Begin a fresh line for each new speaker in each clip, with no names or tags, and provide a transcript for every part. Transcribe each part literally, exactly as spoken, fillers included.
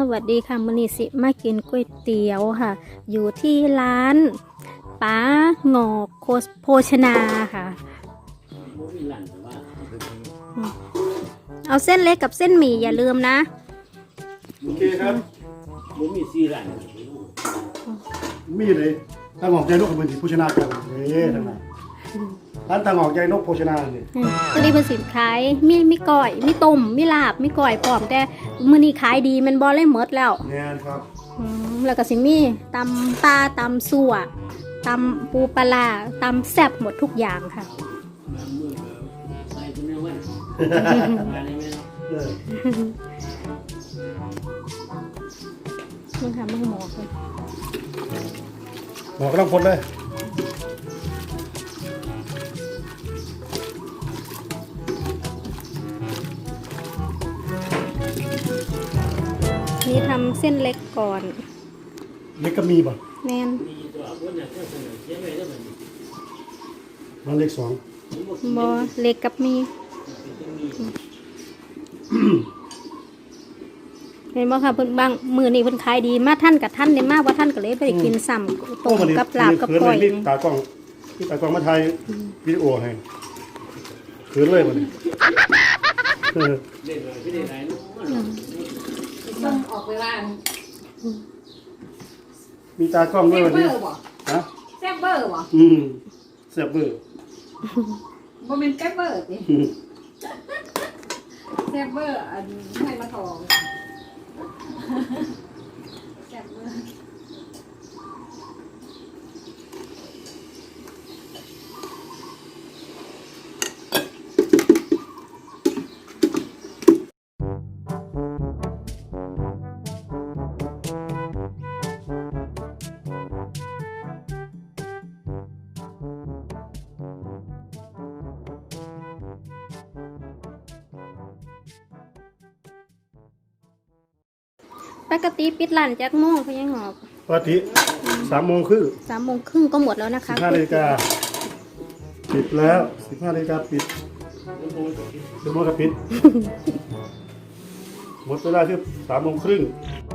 วัสดีค่ะมื้อนี้สิมากินก๋วยเตี๋ยวค่ะอยู่ที่ร้านป้าหงอกโภชนาค่ะเอาเส้นเล็กกับเส้นหมี่อย่าลืมนะ
โอเคครับผมมีสี่ร้านมีเลยตั้งหอกใจนกกับเป็นสีโภชนากันเลยทั้งนั้นร้านตั้งหอกใจนกโภชนาเนี่ย
ตัวนี้เป็นสินขายมีมีก่อยมีต้มมีลาบมีก่อยพร้อมแต่มื้อนี้ขายดีมันบ่เลยหมดแล้ว
แน่นครับ
แล้วก็สิมีตำปลาตำสั่วตำปูปลาตำแซ่บหมดทุกอย่างค่ะนี่ค่ะมึงหมอกเลย
หมอกก็ต้องพ้นเลย
นี่ทำเส้นเล็กก่อน
เล็กก็มีป่ะ
แน่น
มันเล็กสอง
บอเล็กกับมีเห็นบ่ค่ะเพิ่นบางมือนี่เพิ่นขายดีมาท่านกับท่านได้มากว่าท่านก็เลยไปกินซ้ำต้มกับลาบกับก้อย
ตากล้องตากล้องมาถ่ายวิดีโอให้เขินเลยมัน
ต้องออกไปว่า
มีตากล้องด้วยวันนี้ฮะ
แซ่บเบอร์บ่
อืมแซ่บเบอร์
บ่เป็นแซ่บเบอร์สิแซ่บเบอร์อันให้มาทองแซ่บเบอร์
ปกติปิดร้านจักโมงเพิ่นยังหอบ
ปกติสามโมงครึ่ง
สามโมงครึ่งก็หมดแล้วนะคะ
สิบห้านาฬิกาปิดแล้วสิบห้านาฬิกาปิดเดี๋ยวโมงก็ปิดหมดเวลาคือสามโมงครึ่ง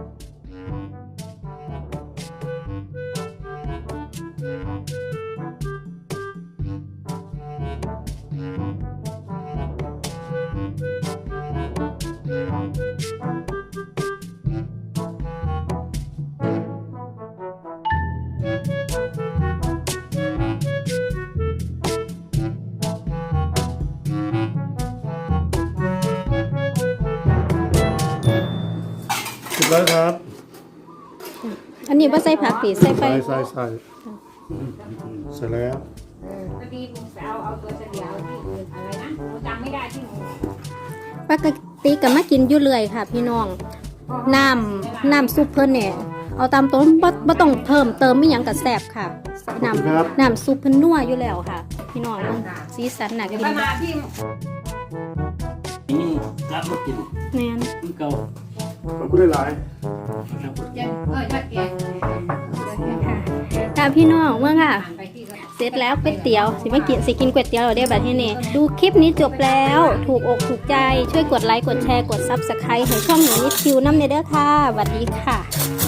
แล้วครับ
อันนี้ว่าใส่ผักผีใส่ไป
ใส่ใส่ใส่ใส่แล้ว
พอดีผมไปเอาเอาตัวเฉลียวที่อื่นอะไรนะเราจำไม่ได้ที่หนู
ปกติก็มากินอยู่เรื่อยค่ะพี่น้องน้ำน้ำซุปเพิ่นเนี่ยเอาตามต้นบ่บ่ต้องเพิ่มเติมไม่หยังกับแซ่บค่ะน้ำน้ำซุปเพิ่นนัวอยู่แล้วค่ะพี่น้องสีสันน่ากิน
มาที่
นี่รับมากิน
แม่น
เก่า
ขอบคุณหลาย
เออชัดแก่
ค่ะพี่น้องว่าค่ะเสร็จแล้วก๋วยเตี๋ยวสิมากินสิกินก๋วยเตี๋ยวเราได้แบบที่นี่ดูคลิปนี้จบแล้วถูกอกถูกใจช่วยกดไลค์กดแชร์กดซับสไครต์ให้ช่องหนูนิดคิวน้ำเนเด้อค่ะสวัสดีค่ะ